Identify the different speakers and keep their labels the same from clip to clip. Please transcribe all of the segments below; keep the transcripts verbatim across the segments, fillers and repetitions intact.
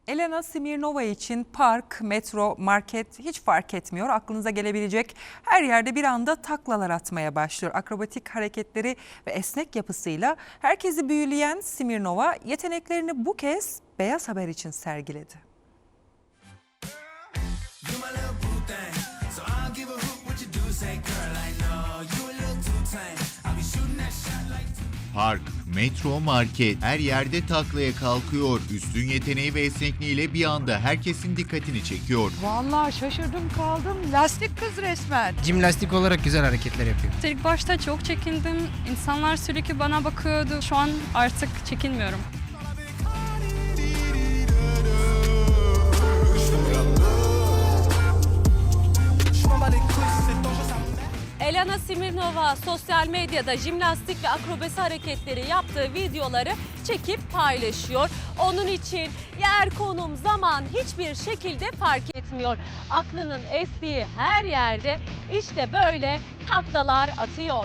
Speaker 1: Elena Smirnova için park, metro, market hiç fark etmiyor. Aklınıza gelebilecek her yerde bir anda taklalar atmaya başlıyor. Akrobatik hareketleri ve esnek yapısıyla herkesi büyüleyen Smirnova yeteneklerini bu kez Beyaz Haber için sergiledi.
Speaker 2: Park, metro, market her yerde taklaya kalkıyor. Üstün yeteneği ve esnekliğiyle bir anda herkesin dikkatini çekiyor.
Speaker 3: Vallahi şaşırdım kaldım. Lastik kız resmen.
Speaker 4: Jimnastik olarak güzel hareketler yapıyor.
Speaker 5: İlk başta çok çekindim. İnsanlar sürekli bana bakıyordu. Şu an artık çekinmiyorum.
Speaker 6: Elena Smirnova sosyal medyada jimnastik ve akrobasi hareketleri yaptığı videoları çekip paylaşıyor. Onun için yer, konum, zaman hiçbir şekilde fark etmiyor. Aklının estiği her yerde işte böyle taklalar atıyor.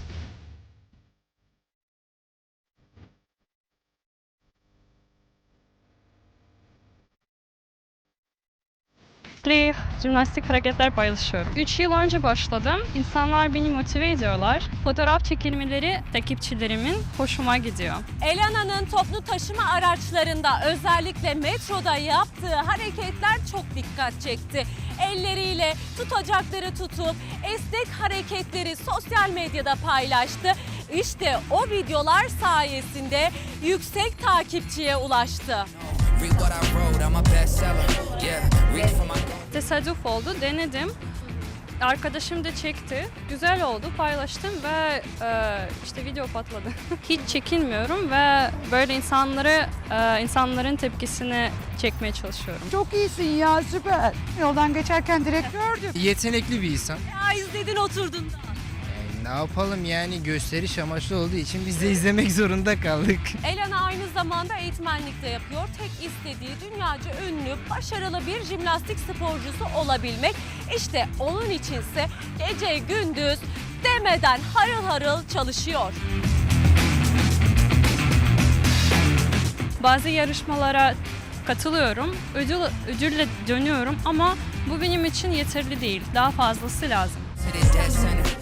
Speaker 5: Sürekli jimnastik hareketler paylaşıyorum. üç yıl önce başladım. İnsanlar beni motive ediyorlar. Fotoğraf çekilmeleri takipçilerimin hoşuma gidiyor.
Speaker 6: Elena'nın toplu taşıma araçlarında özellikle metroda yaptığı hareketler çok dikkat çekti. Elleriyle tutacakları tutup esnek hareketleri sosyal medyada paylaştı. İşte o videolar sayesinde yüksek takipçiye ulaştı.
Speaker 5: Tesadüf oldu, denedim. Arkadaşım da çekti. Güzel oldu, paylaştım ve e, işte video patladı. Hiç çekinmiyorum ve böyle insanları, e, insanların tepkisini çekmeye çalışıyorum.
Speaker 3: Çok iyisin ya, süper. Yoldan geçerken direkt gördüm.
Speaker 4: Yetenekli bir insan.
Speaker 6: Ya izledin oturdun da.
Speaker 4: Ne yapalım yani, gösteriş amaçlı olduğu için biz de izlemek zorunda kaldık.
Speaker 6: Elena aynı zamanda eğitmenlik de yapıyor. Tek istediği dünyaca ünlü, başarılı bir jimnastik sporcusu olabilmek. İşte onun içinse gece gündüz demeden harıl harıl çalışıyor.
Speaker 5: Bazı yarışmalara katılıyorum, ödül, ödülle dönüyorum ama bu benim için yeterli değil. Daha fazlası lazım.